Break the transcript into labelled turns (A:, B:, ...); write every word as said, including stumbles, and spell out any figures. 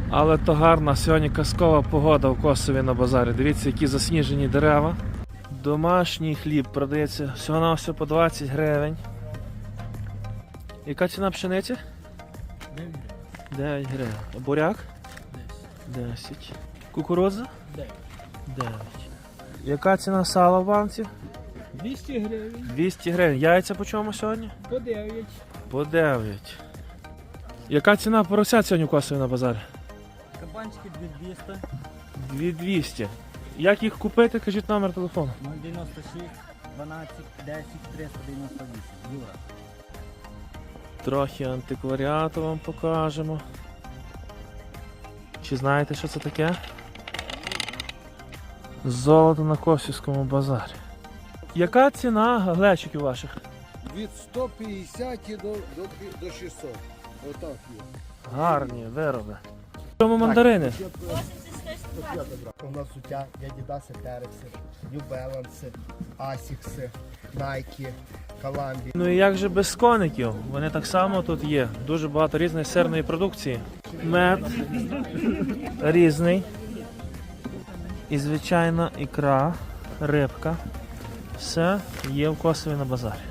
A: Але то гарна сьогодні казкова погода в Косові на базарі. Дивіться, які засніжені дерева. Домашній хліб продається всього на все по двадцять гривень. Яка ціна пшениці? дев'ять гривень. А буряк? десять. Кукурудза? дев'ять. Яка ціна сала в банці?
B: двісті гривень.
A: двісті гривень. Яйця по чому сьогодні?
B: По дев'ять.
A: По дев'ять. Яка ціна поросят сьогодні в Косові на базарі?
B: Кабанчики дві двісті.
A: дві двісті. Як їх купити, кажіть номер телефону.
B: нуль дев'яносто шість дванадцять десять триста дев'яносто вісім. Юра.
A: Трохи антикваріату вам покажемо. Чи знаєте, що це таке? Золото на Косівському базарі. Яка ціна глечиків ваших?
C: Від сто п'ятдесят до, до, до шістсот. Отак є.
A: Гарні вироби. В чому мандарини?
D: У нас суття Адідаси, Терекси, New Balance, Асікси, Найкі, Коламбі.
A: Ну і як же без коників? Вони так само тут є. Дуже багато різної сирної продукції. Мед різний. І звичайна ікра, рибка. Все є в Косові на базарі.